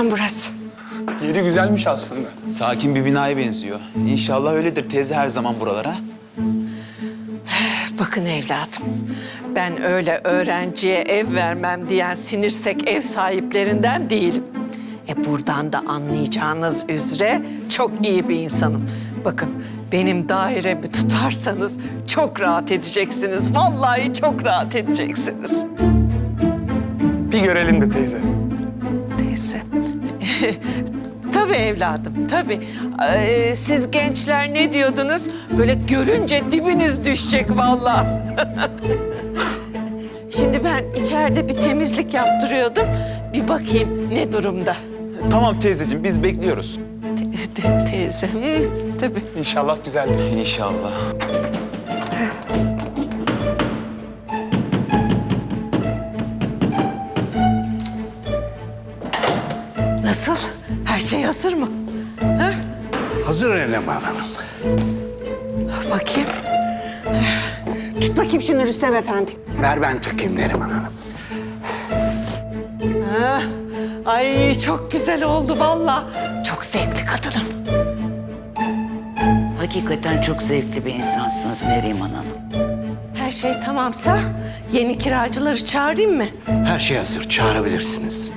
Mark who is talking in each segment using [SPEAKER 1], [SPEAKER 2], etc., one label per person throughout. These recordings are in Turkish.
[SPEAKER 1] burası.
[SPEAKER 2] Yeri güzelmiş aslında.
[SPEAKER 3] Sakin bir binaya benziyor. İnşallah öyledir teyze her zaman buralara.
[SPEAKER 1] Bakın evladım, ben öyle öğrenciye ev vermem diyen sinirsek ev sahiplerinden değilim. Buradan da anlayacağınız üzere çok iyi bir insanım. Bakın benim dairemi tutarsanız çok rahat edeceksiniz. Vallahi çok rahat edeceksiniz.
[SPEAKER 2] Bir görelim de teyze.
[SPEAKER 1] Teyze. Tabii evladım, tabii. Siz gençler ne diyordunuz? Böyle görünce dibiniz düşecek vallahi. Şimdi ben içeride bir temizlik yaptırıyordum. Bir bakayım ne durumda.
[SPEAKER 3] Tamam teyzeciğim biz bekliyoruz.
[SPEAKER 1] Teyze, tabii.
[SPEAKER 2] İnşallah güzeldir.
[SPEAKER 3] İnşallah.
[SPEAKER 1] Nasıl? Her şey hazır mı? Ha?
[SPEAKER 4] Hazır Eleman Hanım.
[SPEAKER 1] Bakayım. Tut bakayım şunu Rüstem Efendi.
[SPEAKER 4] Ver ben takayım Neriman Hanım.
[SPEAKER 1] Ha? Ay çok güzel oldu vallahi. Çok zevkli kadınım.
[SPEAKER 5] Hakikaten çok zevkli bir insansınız Neriman Hanım.
[SPEAKER 1] Her şey tamamsa yeni kiracıları çağırayım mı?
[SPEAKER 4] Her şey hazır. Çağırabilirsiniz.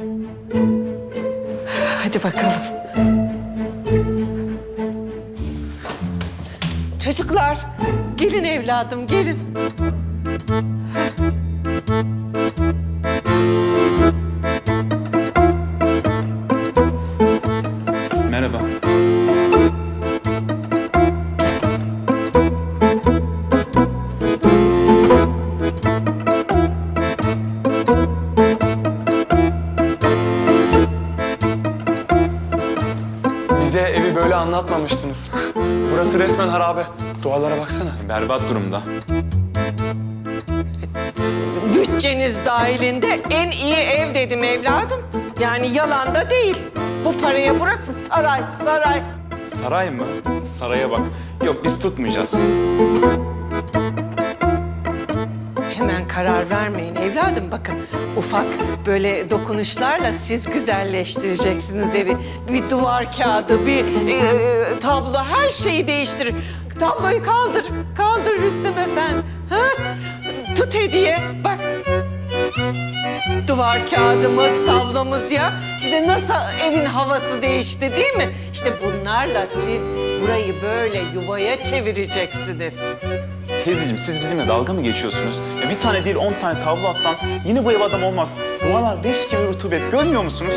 [SPEAKER 1] Hadi bakalım. Çocuklar, gelin evladım, gelin.
[SPEAKER 3] Merhaba.
[SPEAKER 2] Bize evi böyle anlatmamıştınız. Burası resmen harabe. Duvarlara baksana.
[SPEAKER 3] Berbat durumda.
[SPEAKER 1] Bütçeniz dahilinde en iyi ev dedim evladım. Yani yalan da değil. Bu paraya burası saray, saray.
[SPEAKER 3] Saray mı? Saraya bak. Yok biz tutmayacağız.
[SPEAKER 1] Hemen karar vermeyin evladım. Bakın ufak böyle dokunuşlarla siz güzelleştireceksiniz evi. Bir duvar kağıdı, bir tablo her şeyi değiştirir. Tabloyu kaldır, kaldır Rüstem Efendi. Ha? Tut hediye, bak. Duvar kağıdımız, tablomuz ya. İşte nasıl evin havası değişti değil mi? İşte bunlarla siz burayı böyle yuvaya çevireceksiniz.
[SPEAKER 3] Teyzeciğim siz bizimle dalga mı geçiyorsunuz? Ya bir tane değil 10 tane tablo atsan yine bu ev adam olmaz. Duvarlar leş gibi rutubet görmüyor musunuz?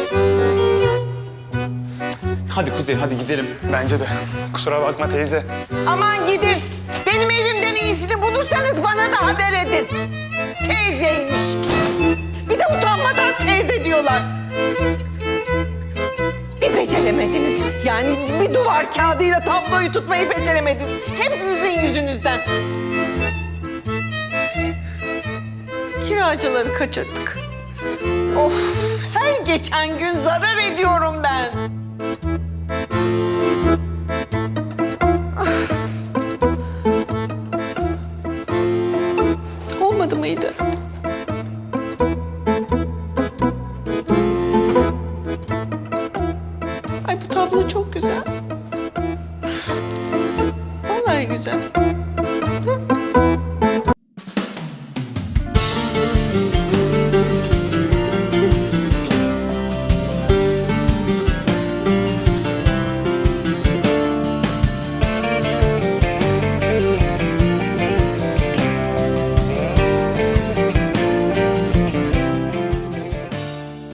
[SPEAKER 3] Hadi Kuzey hadi gidelim.
[SPEAKER 2] Bence de. Kusura bakma teyze.
[SPEAKER 1] Aman gidin. Benim evimden iyisini bulursanız bana da haber edin. Teyzeymiş. Bir de utanmadan teyze diyorlar. Bir beceremediniz. Yani bir duvar kağıdıyla tabloyu tutmayı beceremediniz. Hep sizin yüzünüzden. Kiracıları kaçırdık. Of, her geçen gün zarar ediyorum ben. Olmadı mıydı? Ay bu tablo çok güzel. Vallahi güzel.